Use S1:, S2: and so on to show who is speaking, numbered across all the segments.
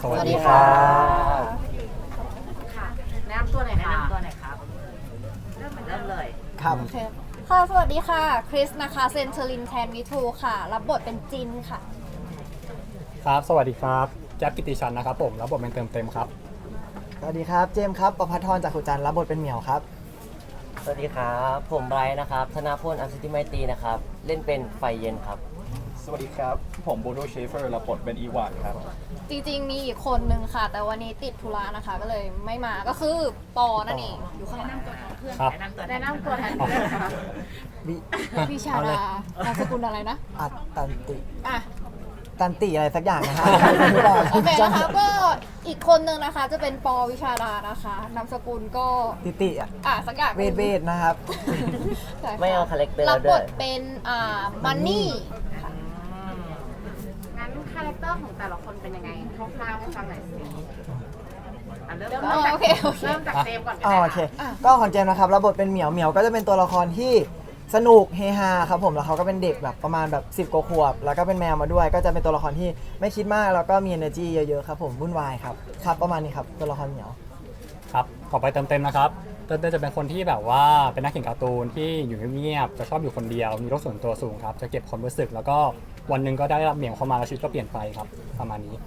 S1: สวัสดีครับ
S2: ค่ะแนะนำตัวหน่อยครับเริ่มเลย
S1: ครับ
S3: โอเคค่ะสวัสดีค่ะ คริสนะคะเซนเทอรินแทนมิทูค่ะ รับบทเป็นจินค่ะ
S4: ครับ สวัสดีครับแจ๊บกิติชันนะครับผมรับบทเป็นเต็มครับ
S1: สวัสดีครับเจมส์ครับประภัทรจากขุจันทร์รับบทเป็นเหมียวครับ
S5: สวัสดีครับผมไบรท์นะครับธนาพลอัศจิไมตรีนะครับเล่นเป็นไฟเย็นครับ
S6: สวัสดีครับผมโบโดเชฟเฟอร์รับบทเป็นอีวานครับ
S3: จริงๆมีอีกคนนึงค่ะ แต่วันนี้ติดธุระนะคะ ก็เลยไม่มาก็คือปอนั่นเองอยู่ข้างหลัง
S4: ครับ
S2: แนะนำตัวแทนด้วยนะคะ
S1: วิ
S3: วิชาดานามสกุลอะไรนะ
S1: อัตตันติ
S3: อ่ะ
S1: ตันติอะไรสักอย่างนะฮะ
S3: โอเคนะคะก็อีกคนนึงนะคะจะเป็นปอวิชาดานะคะนามสกุลก็
S1: ติติอะ
S3: สักอย่าง
S1: เวทนะครับ
S3: ใช่ะ
S5: ไม่เอาคาแรคเตอร์
S3: รับบ
S5: ด้วย
S3: ทเป็นมันนี่
S2: งั้นคาแรคเตอร์ของแต่ละคนเป็นยังไงคร่าวๆให้ฟังหน่อยสิเริ่ม
S3: โอเค
S2: เริ่มจากเจมส์ก่อนก็
S1: อ๋อ
S2: ได้
S1: โอเค
S3: อ่ะ
S1: ก็ของเจมส์นะครับรับบทเป็นเหมียวเหมียวก็จะเป็นตัวละครที่สนุกเฮฮาครับผมแล้วเขาก็เป็นเด็กแบบประมาณแบบ10 กว่าขวบแล้วก็เป็นแมวมาด้วย ก็จะเป็นตัวละครที่ไม่คิดมากแล้วก็มี energy เยอะๆครับผมวุ่นวายครับครับประมาณนี้ครับตัวละครเหมียว
S4: ครับต่อไปเต็มนะครับเต็มจะเป็นคนที่แบบว่าเป็นนักเขียนการ์ตูนที่อยู่เงียบๆจะชอบอยู่คนเดียว มีโลกส่วนตัวสูงครับ จะเก็บความรู้สึก แล้วก็วันหนึ่งก็ได้รับเหมียวเข้ามาแล้วชีวิตก็เปลี่ยนไปครับ ประมาณนี้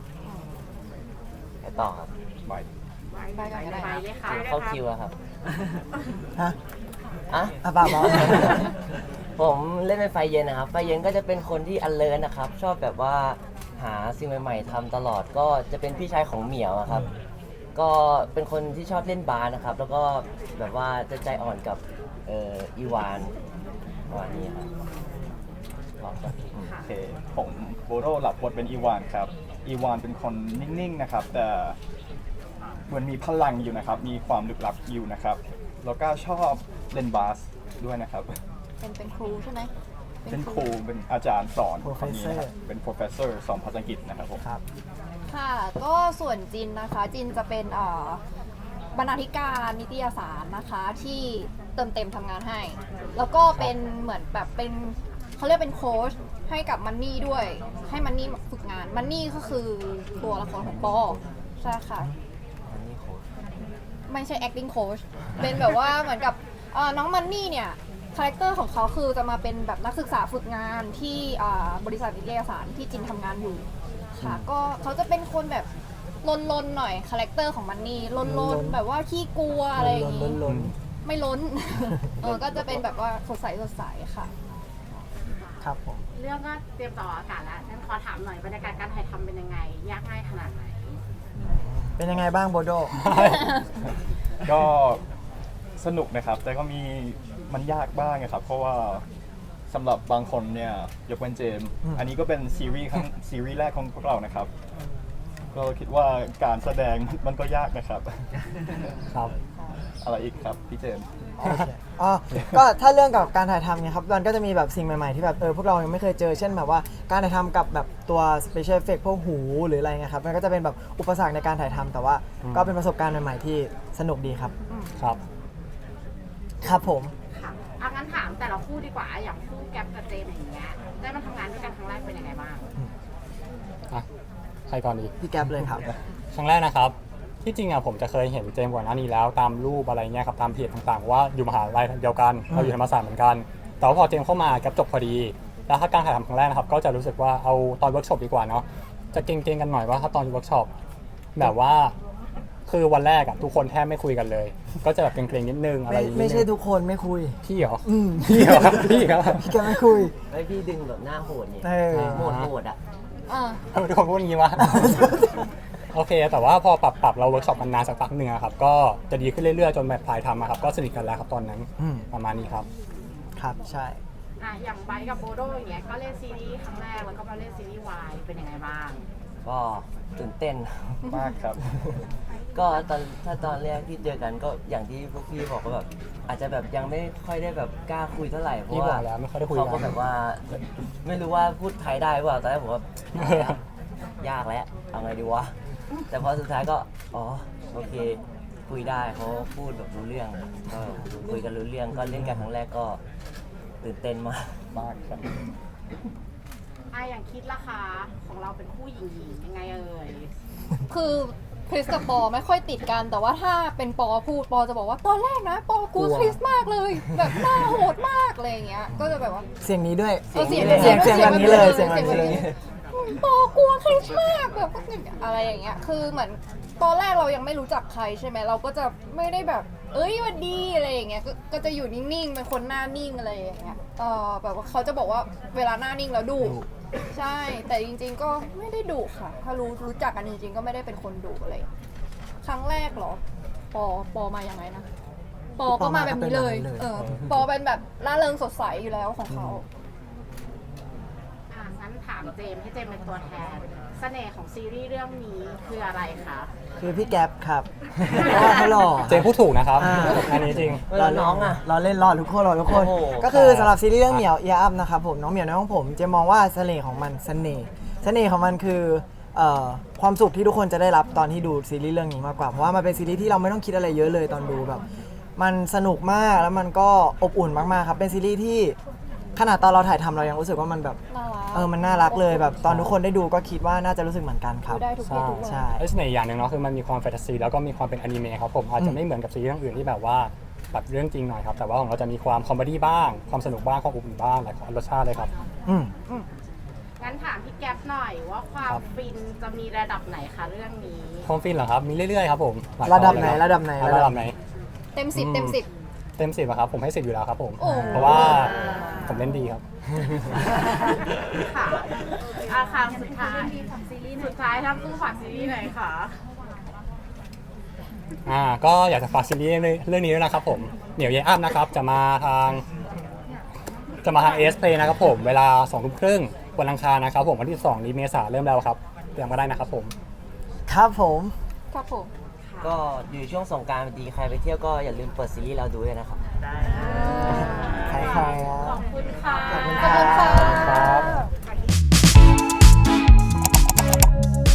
S5: ไปต่อครับ
S3: ไปกันก็ได้
S2: ไปเลยค่ะ
S5: เข้าคิวแล้วครับ
S1: ฮะ
S5: อ่ะ
S1: อ่ะเปล่า
S5: ผมเล่นเป็นไฟเย็นนะครับไฟเย็นก็จะเป็นคนที่alertนะครับชอบแบบว่าหาสิ่งใหม่ๆทำตลอดก็จะเป็นพี่ชายของเหมียวอะครับ ก็เป็นคนที่ชอบเล่นบาสนะครับ แล้วก็แบบว่าจะใจอ่อนกับอีวานประมาณนี้ครับลองครับ
S6: โอเค ผมโบโดรับบทเป็นอีวานครับ อีวานเป็นคนนิ่งๆนะครับ แต่เหมือนมีพลังอยู่นะครับ มีความลึกลับอยู่นะครับ แล้วก็ชอบเล่นบาสด้วยนะครับ
S3: เป็นครูใช่ไหม
S6: เป็นครู เป็นอาจารย์สอนคนนี้นะครับ เป็น professor สอนภาษาอังกฤษนะครับผม
S1: ครับ
S3: ค่ะ ก็ส่วนจินนะคะ จินจะเป็นบรรณาธิการนิตยสารนะคะที่เต็มทำงานให้ แล้วก็เป็นเหมือนแบบเป็นเขาเรียกเป็นโค้ชให้กับมันนี่ด้วย ให้มันนี่ฝึกงานมันนี่ก็คือตัวละครของปอใช่ค่ะ
S5: อันนี้โค้ช
S3: ไม่ใช่ acting coach เป็นแบบว่าเหมือนกับน้องมันนี่เนี่ยคาแรคเตอร์ของเขาคือจะมาเป็นแบบนักศึกษาฝึกงานที่บริษัทนิตยสารที่จินทำงานอยู่ค่ะก็เขาจะเป็นคนแบบลนๆหน่อยคาแรคเตอร์ของมันนี่ลนๆแบบว่าขี้กลัวอะไรอย่างงี้
S1: ล้น
S3: ไม่ล้น ก็จะเป็นแบบว่าสดใสค่ะ
S1: ครับผม
S2: เรื่องก็เตรียมต่ออากาศแล้วฉันขอถามหน่อยบรรยากาศการถ่ายทำเป็นยังไง ยากง่ายขนาดไหน
S1: เป็นยังไงบ้างโบโด
S6: ก็สนุกนะครับ แต่ก็มีมันยากบ้างนะครับ เพราะว่าสำหรับบางคนเนี่ยยกเว้นเจมส์อันนี้ก็เป็นซีรีส์แรกของพวกเรานะครับ ก็คิดว่าการแสดงมันก็ยากนะครับ
S4: ครับ
S6: อะไรอีกครับพี่เจมส์
S1: โอเคอ๋อก็ถ้าเรื่องกับการถ่ายทำเนี่ยครับมันก็จะมีแบบสิ่งใหม่ๆที่แบบพวกเรายังไม่เคยเจอ เช่นแบบว่าการถ่ายทำกับแบบตัว special effect พวกหูหรืออะไรเงี้ยครับมันก็จะเป็นแบบอุปสรรคในการถ่ายทำแต่ว่าก็เป็นประสบการณ์ใหม่ๆที่สนุกดีครับ
S4: ครับ
S1: ครับผม
S2: ค่ะงั้นถามแต่ละคู่ดีกว่า อย่างคู่แก๊ปกับเจมส์อย่างเงี้ย ได้มาทำงานด้วยกันครั้งแรกเป็นยังไงบ้าง
S4: อ่ะ ใครก่อนดี
S1: พี่แก๊ปเลยครับ
S4: ครั้งแรกนะครับ ที่จริงผมจะเคยเห็นเจมส์ก่อนหน้านี้แล้วตามรูปอะไรเงี้ยครับตามเพจต่างๆ ว่าอยู่มหาลัยเดียวกันเราอยู่ธรรมศาสตร์เหมือนกัน แต่ว่าพอเจมส์เข้ามาแกับจบพอดี แล้วถ้าการถ่ายทำครั้งแรกนะครับก็จะรู้สึกว่าเอาตอนเวิร์กช็อปดีกว่าเนาะจะเก่งๆกันหน่อยว่าถ้าตอนเวิร์กช็อปแบบว่าคือวันแรกทุกคนแทบไม่คุยกันเลย ก็จะแบบเกรงๆนิดนึงอะไรนิดนึง
S1: ไม่ใช่ทุกคนไม่คุย
S4: พี่เหรอ
S1: ม
S4: พี่เหรอพี่ครับ
S1: พี่แก๊ปไม่คุย
S5: ไอพี่ดึงแบบหน้าโหดนี่
S1: เออ
S5: โหดอ่ะ
S4: ทำไมทุกคนพูดอย่างนี้วะ โอเค แต่ว่าพอปรับเราเวิร์กช็อปมันนานสักพักหนึ่งอะครับก็จะดีขึ้นเรื่อยๆจนแบบถ่ายทำอะครับก็สนิทกันแล้วครับตอนนั้น
S1: อืม
S4: ประมาณนี้ครับ
S1: ครับใช่
S2: อย่างไบร์ทกับโบโดอย่างเงี้ย ก็เล่นซีรีส์ครั้งแรกแล้วก็มาเล่นซีรีส์วายเป็นยังไงบ้าง
S5: ก็ตื่นเต้น
S6: มากครับ
S5: ก็ตอนแรกที่เจอกันก็อย่างที่พวกพี่บอกก็แบบอาจจะแบบยังไม่ค่อยได้แบบกล้าคุยเท่าไหร่เพ
S4: พี่
S5: ราะ
S4: บอ
S5: ว่าก
S4: แล้วไม่ค่อยได้คุยกัน
S5: เขาก็แบบว่าไม่รู้ว่าพูดไทยได้เปล่าตอนแรกผมว่ายากแล้วเอาไงดีวะแต่พอสุดท้ายก็อ๋อโอเค คุยได้เขาพูดแบบรู้เรื่องก็คุยกันรู้เรื่องก็เล่นกันครั้งแรกก็ตื่นเต้นมาก
S6: มากครับ
S2: อย่างคิดราคาของเราเป็นคู่หญิงยังไงเอ่ย
S3: คือคริสกับปอไม่ค่อยติดกัน แต่ว่าถ้าเป็นปอพูดปอจะบอกว่าตอนแรกนะปอกลัวคริสมากเลย แบบหน้าโหดมากอะไรอย่างเงี้ยก็จะแบบว่า
S1: เสียงนี้ด้วย
S3: เออเสียง
S1: เสียงแบบนี้เลยเสียงแบบนี้เลย
S3: ปอกลัวคริสมากแบบอะไรอย่างเงี้ยคือเหมือนตอนแรกเรายังไม่รู้จักใครใช่ไหมเราก็จะไม่ได้แบบ เอ้ยวันดีอะไรอย่างเงี้ยก็จะอยู่นิ่งๆเป็นคนหน้านิ่งอะไรอย่างเงี้ยแบบว่าเขาจะบอกว่าเวลาหน้านิ่งแล้วดุใช่ แต่จริงๆก็ไม่ได้ดุค่ะ ถ้ารู้จักกันจริงๆก็ไม่ได้เป็นคนดุอะไร ครั้งแรกเหรอ ปอมายังไงนะ ปอก็มาแบบนี้เลย ปอเป็นแบบร่าเริงสดใสอยู่แล้วของเขา
S2: งั้นถามเจมส์ให้เจมส์เป็นตัวแทน เสน่ห์ของซีรีส์เรื่องนี้คืออะไรคะ
S1: คือพี่แก๊ปครับเพราะว่าเขาหล่อ
S4: เจมพูดถูกนะครับ
S1: อ่า
S4: อันนี้จริง
S5: แล้วน้องอ่ะ
S1: เราเล่นรอดทุกคนรอทุกคน
S5: โอ้โห
S1: ก็คือสำหรับซีรีส์เรื่องเหมียวเอียอัพนะครับผมน้องเหมียวน้องผมเจะมองว่าเสน่ห์ของมันเสน่ห์ของมันคือความสุขที่ทุกคนจะได้รับตอนที่ดูซีรีส์เรื่องนี้มากกว่าเพราะว่ามันเป็นซีรีส์ที่เราไม่ต้องคิดอะไรเยอะเลยตอนดูแบบ มันสนุกมากแล้วมันก็อบอุ่นมากๆครับเป็นซีรีส์ที่ขนาดตอนเราถ่ายทำเรายังรู้สึกว่ามันแบบ
S3: น่ารัก
S1: มันน่ารักเลยแบบตอนทุกคนได้ดูก็คิดว่าน่าจะรู้สึกเหมือนกันครับ
S3: ดูได้ทุกเพศทุกวัย
S1: ใช่
S4: ไอ้เสน่ห์อย่างหนึ่งเนาะคือมันมีความแฟนตาซีแล้วก็มีความเป็นอนิเมะครับผมอาจจะไม่เหมือนกับซีรีส์เรื่องอื่นที่แบบว่าแบบเรื่องจริงหน่อยครับแต่ว่าของเราจะมีความคอมเมดี้บ้างความสนุกบ้างความอบอุ่นบ้างหลายรสชาติเลยครับ
S1: อืม
S2: งั้นถามพี่แก๊ปหน่อยว่าความ
S4: ครับ
S2: ฟินจะมีระดับไหนคะเรื่องนี้
S4: ความฟินเหรอครับมีเรื่อยๆครับผมหลาย
S1: ระดับ
S4: ตอน
S1: ไหน
S4: เลยค
S1: ระดับไหน
S4: ระดับไหน
S3: เต็มสิบเต็มสิบ
S4: เต็ม10อะครับผมให้10อยู่แล้วครับผม
S3: โอ้
S4: เพราะว่าผมเล่นดีครับ
S2: ค่ะค่ะสุดท้ายทั้งคู่ฝากซีรีส์หน่อยค่ะ
S4: ก็อยากจะฝากซีรีส์เรื่องนี้ด้วยนะครับผมเหนียวเยอัพนะครับจะมาทางเอสเพลนะครับผมเวลา 20:30 วันอังคารนะครับผมวันที่2นี้เมษาเริ่มแล้วครับเตรียมมาได้นะครับผม
S1: ครับผม
S3: ครับผม
S5: ก็อยู่ช่วงสงกรานต์พอดีใครไปเที่ยวก็อย่าลืมเปิดซีรีส์เราดูด้วยนะครับ
S1: ใครๆอ่ะ
S2: ขอบคุณค่ะ